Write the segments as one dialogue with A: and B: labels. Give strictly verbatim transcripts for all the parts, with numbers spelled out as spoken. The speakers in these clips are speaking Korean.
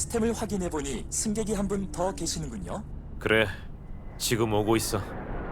A: 시스템을 확인해보니 승객이 한 분 더 계시는군요.
B: 그래, 지금 오고 있어.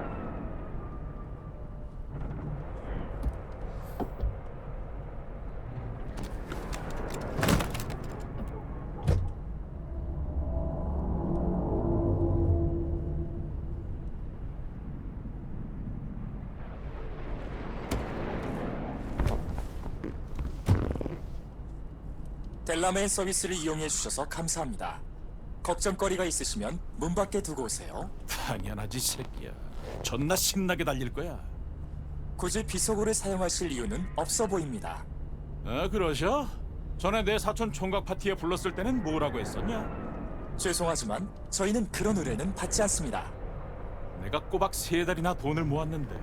A: 델라메인 서비스를 이용해 주셔서 감사합니다. 걱정거리가 있으시면 문 밖에 두고 오세요.
C: 당연하지 새끼야. 존나 신나게 달릴 거야.
A: 굳이 비속어를 사용하실 이유는 없어 보입니다.
C: 아 그러셔? 전에 내 사촌 총각 파티에 불렀을 때는 뭐라고 했었냐?
A: 죄송하지만 저희는 그런 의뢰는 받지 않습니다.
C: 내가 꼬박 세 달이나 돈을 모았는데.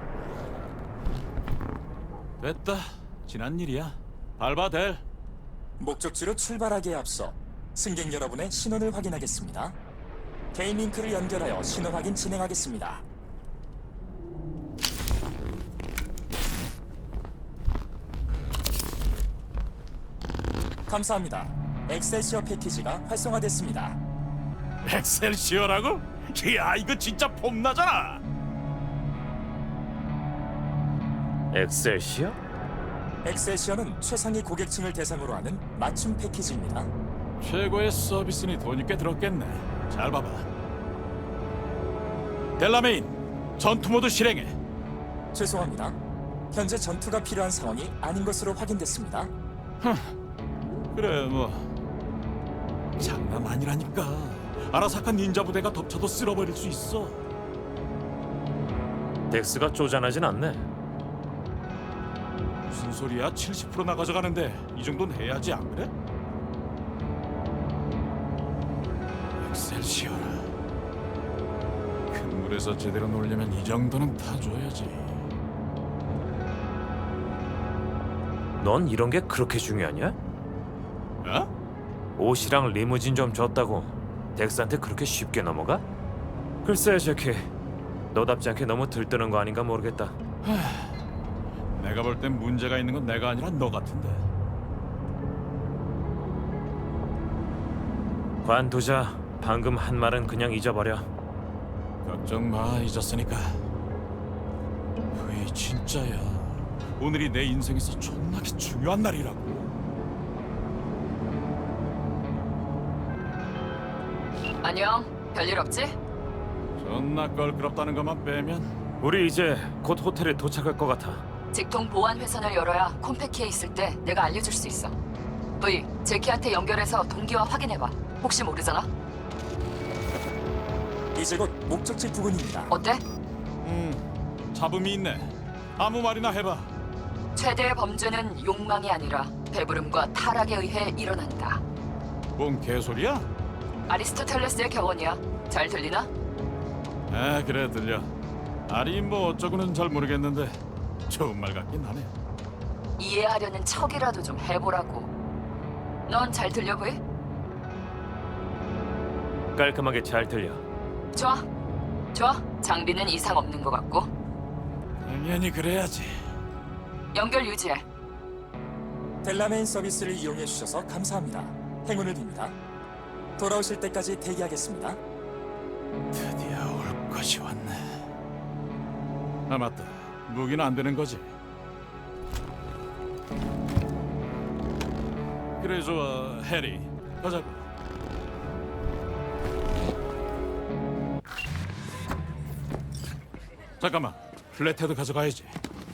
C: 됐다. 지난 일이야. 밟아 댈.
A: 목적지로 출발하기에 앞서 승객 여러분의 신원을 확인하겠습니다. 개인 링크를 연결하여 신원 확인 진행하겠습니다. 감사합니다. 엑셀시어 패키지가 활성화됐습니다.
C: 엑셀시어라고? 이야 이거 진짜 폼나잖아.
B: 엑셀시어?
A: 엑셀시어는 최상위 고객층을 대상으로 하는 맞춤 패키지입니다.
C: 최고의 서비스니 돈이 꽤 들었겠네. 잘 봐봐. 델라메인 전투 모드 실행해.
A: 죄송합니다. 현재 전투가 필요한 상황이 아닌 것으로 확인됐습니다.
C: 그래 뭐 장난 아니라니까. 아라사카 닌자 부대가 덮쳐도 쓸어버릴 수 있어.
B: 덱스가 쪼잔하진 않네.
C: 무슨 소리야? 칠십 퍼센트나 가져가는데 이 정도는 해야지 안 그래? 엑셀시어라. 큰 물에서 제대로 놀려면 이 정도는 타줘야지.
B: 넌 이런 게 그렇게 중요하냐?
C: 어?
B: 옷이랑 리무진 좀 줬다고 덱스한테 그렇게 쉽게 넘어가? 글쎄 제키, 너답지 않게 너무 들뜨는 거 아닌가 모르겠다.
C: 내가 볼 땐 문제가 있는 건 내가 아니라 너 같은데.
B: 관두자. 방금 한 말은 그냥 잊어버려.
C: 걱정 마, 잊었으니까. 왜 진짜야. 오늘이 내 인생에서 존나게 중요한 날이라고.
D: 안녕. 별일 없지?
C: 존나 껄끄럽다는 것만 빼면.
B: 우리 이제 곧 호텔에 도착할 것 같아.
D: 직통 보안 회선을 열어야 콤패키에 있을 때 내가 알려줄 수 있어. V, 제키한테 연결해서 동기화 확인해봐. 혹시 모르잖아?
A: 이제 곧 목적지 부근입니다.
D: 어때?
C: 음, 잡음이 있네. 아무 말이나 해봐.
D: 최대의 범죄는 욕망이 아니라 배부름과 타락에 의해 일어난다.
C: 뭔 개소리야?
D: 아리스토텔레스의 격언이야. 잘 들리나?
C: 아 그래 들려. 아니 뭐 어쩌고는 잘 모르겠는데 좋은 말 같긴 하네.
D: 이해하려는 척이라도 좀 해보라고. 넌 잘 들려 보이?
B: 깔끔하게 잘 들려.
D: 좋아. 좋아. 장비는 이상 없는 것 같고.
C: 당연히 그래야지.
D: 연결 유지해.
A: 델라메인 서비스를 이용해 주셔서 감사합니다. 행운을 빕니다. 돌아오실 때까지 대기하겠습니다.
C: 드디어 올 것이 왔네. 아 맞다. 무기는 안 되는 거지? 그래 좋아 해리 가자고. 잠깐만 플랫헤드 가져가야지.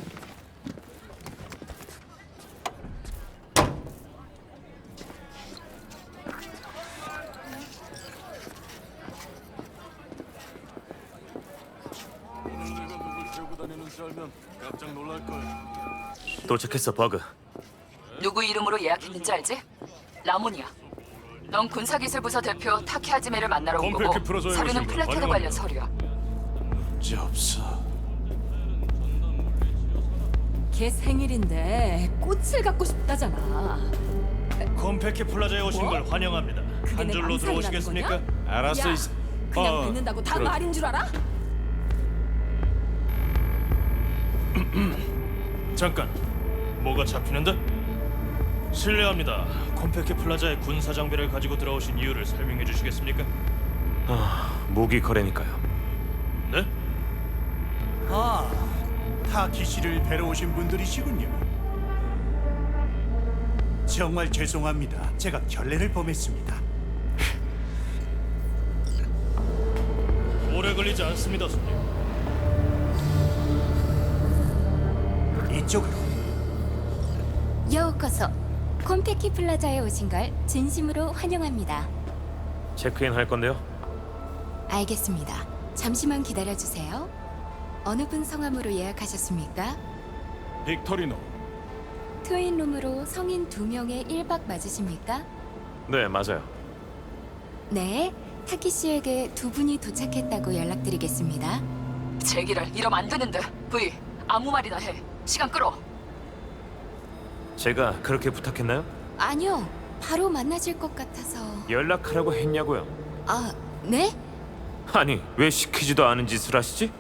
B: 도착했어 버그.
D: 누구 이름으로 예약했는지 알지? 라몬이야. 넌 군사기술부서 대표 타케하지메를 만나러 온
C: 컴팩트
D: 거고
C: 풀어줘야
D: 서류는
C: 오신 거
D: 플래테드
C: 환영합니다.
D: 관련 서류야.
C: 문제 없어.
E: 걔 생일인데 꽃을 갖고 싶다잖아.
F: 콤패키 플라자에 오신
E: 뭐?
F: 걸 환영합니다.
E: 그게
F: 한
E: 내
F: 줄로
E: 망상이라는
F: 들어오시겠습니까?
E: 거냐?
C: 알았어.
E: 야,
C: 이...
E: 그냥
C: 어,
E: 뱉는다고 다
C: 그래.
E: 말인 줄 알아?
F: 잠깐, 뭐가 잡히는데? 실례합니다. 콤페키 플라자에 군사 장비를 가지고 들어오신 이유를 설명해 주시겠습니까?
B: 아, 무기 거래니까요.
F: 네?
G: 아, 타키 씨를 뵈러 오신 분들이시군요. 정말 죄송합니다. 제가 결례를 범했습니다.
F: 오래 걸리지 않습니다, 손님.
G: 이쪽으로.
H: 여우커서 콤페키 플라자에 오신 걸 진심으로 환영합니다.
B: 체크인 할 건데요.
H: 알겠습니다. 잠시만 기다려 주세요. 어느 분 성함으로 예약하셨습니까?
C: 빅토리노.
H: 트윈룸으로 성인 두 명의 일 박 맞으십니까?
B: 네, 맞아요.
H: 네, 타키 씨에게 두 분이 도착했다고 연락드리겠습니다.
D: 제기를 이러면 안 되는데. 부이, 아무 말이나 해. 시간 끌어.
B: 제가 그렇게 부탁했나요?
H: 아니요, 바로 만나실 것 같아서.
B: 연락하라고 했냐고요.
H: 아, 네?
B: 아니, 왜 시키지도 않은 짓을 하시지?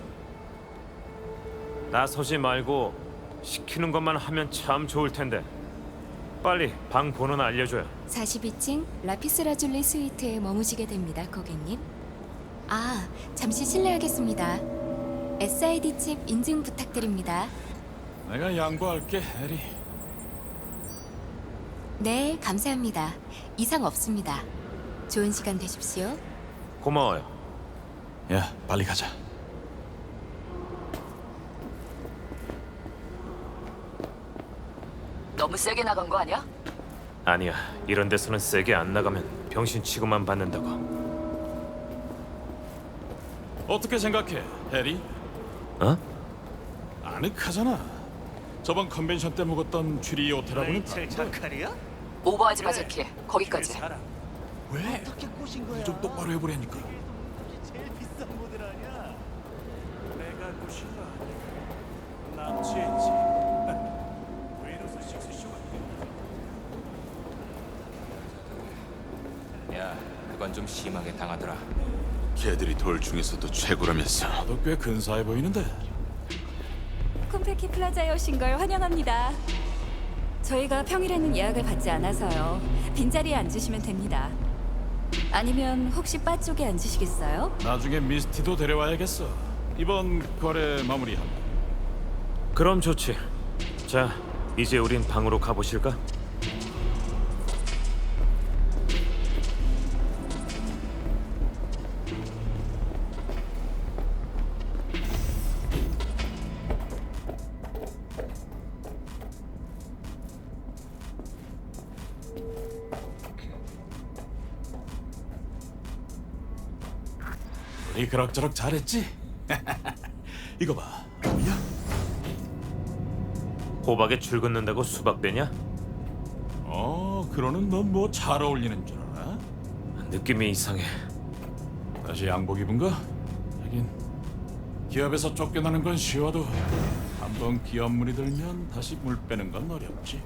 B: 나서지 말고 시키는 것만 하면 참 좋을 텐데. 빨리 방 번호나 알려줘요.
H: 사십이 층 라피스라줄리 스위트에 머무시게 됩니다, 고객님. 아, 잠시 실례하겠습니다. 에스아이디 칩 인증 부탁드립니다.
C: 내가 양보할게, 해리.
H: 네, 감사합니다. 이상 없습니다. 좋은 시간 되십시오.
B: 고마워요.
C: 야, 빨리 가자.
D: 너무 세게 나간 거 아니야?
B: 아니야, 이런 데서는 세게 안 나가면 병신 취급만 받는다고.
C: 어떻게 생각해, 해리?
B: 어?
C: 아늑하잖아. 저번 컨벤션 때 묵었던 쥐리 호텔하고는
G: 레이첼 자카리야?
D: 오버하지 마, 제키. 거기까지.
G: 사람.
C: 왜?
G: 어떻게 꼬신 거야?
C: 좀 똑바로 해보라니까.
G: 제일 비싼 모델 아니야? 내가 꼬신 거 아니야? 남친지. 웨이로스 식스쇼가.
I: 야, 그건 좀 심하게 당하더라.
J: 걔들이 돌 중에서도 최고라면서.
C: 너 꽤 근사해 보이는데.
E: 콤페키 플라자에 오신 걸 환영합니다. 저희가 평일에는 예약을 받지 않아서요. 빈자리에 앉으시면 됩니다. 아니면 혹시 바 쪽에 앉으시겠어요?
C: 나중에 미스티도 데려와야겠어. 이번 거래 마무리한다.
B: 그럼 좋지. 자, 이제 우린 방으로 가보실까?
C: 우리 그럭저럭 잘했지? 이거 봐. 뭐야?
B: 호박에 줄 긋는다고 수박 되냐?
C: 어, 그러는 넌 뭐 잘 어울리는 줄 알아?
B: 느낌이 이상해.
C: 다시 양복 입은 거? 하긴 기업에서 쫓겨나는 건 쉬워도 한번 기업 물이 들면 다시 물 빼는 건 어렵지.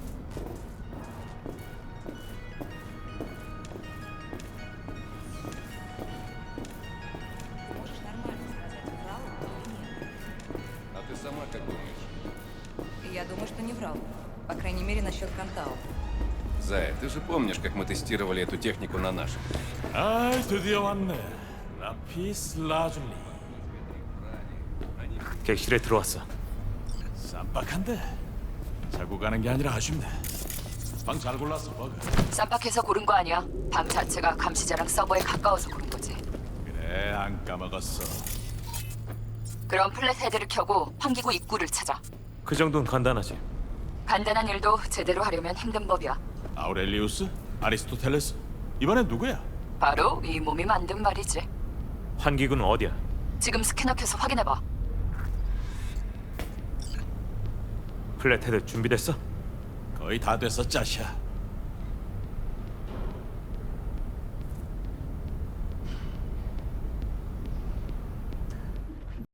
I: А ты сама как думаешь?
K: Я думаю, что не врал. По крайней мере, насчет Кантау.
I: Зая, ты же помнишь, как мы тестировали эту технику на наших?
C: 아이, 드디어 왔네. 라피스 라줄리.
B: 객실에 들어왔어.
C: 쌈박한데 자고 가는 게 아니라 아쉽네. 방 잘 골랐어, 버그.
D: 쌈박해서 고른 거 아니야. 방 자체가 감시자랑 서버에 가까워서 고른 거지.
C: 그래, 안 까먹었어.
D: 그럼 플랫 헤드를 켜고 환기구 입구를 찾아.
B: 그 정도는 간단하지.
D: 간단한 일도 제대로 하려면 힘든 법이야.
C: 아우렐리우스? 아리스토텔레스? 이번엔 누구야?
D: 바로 이 몸이 만든 말이지.
B: 환기구는 어디야?
D: 지금 스캐너 켜서 확인해봐.
B: 플랫헤드 준비됐어?
C: 거의 다 됐어, 짜샤.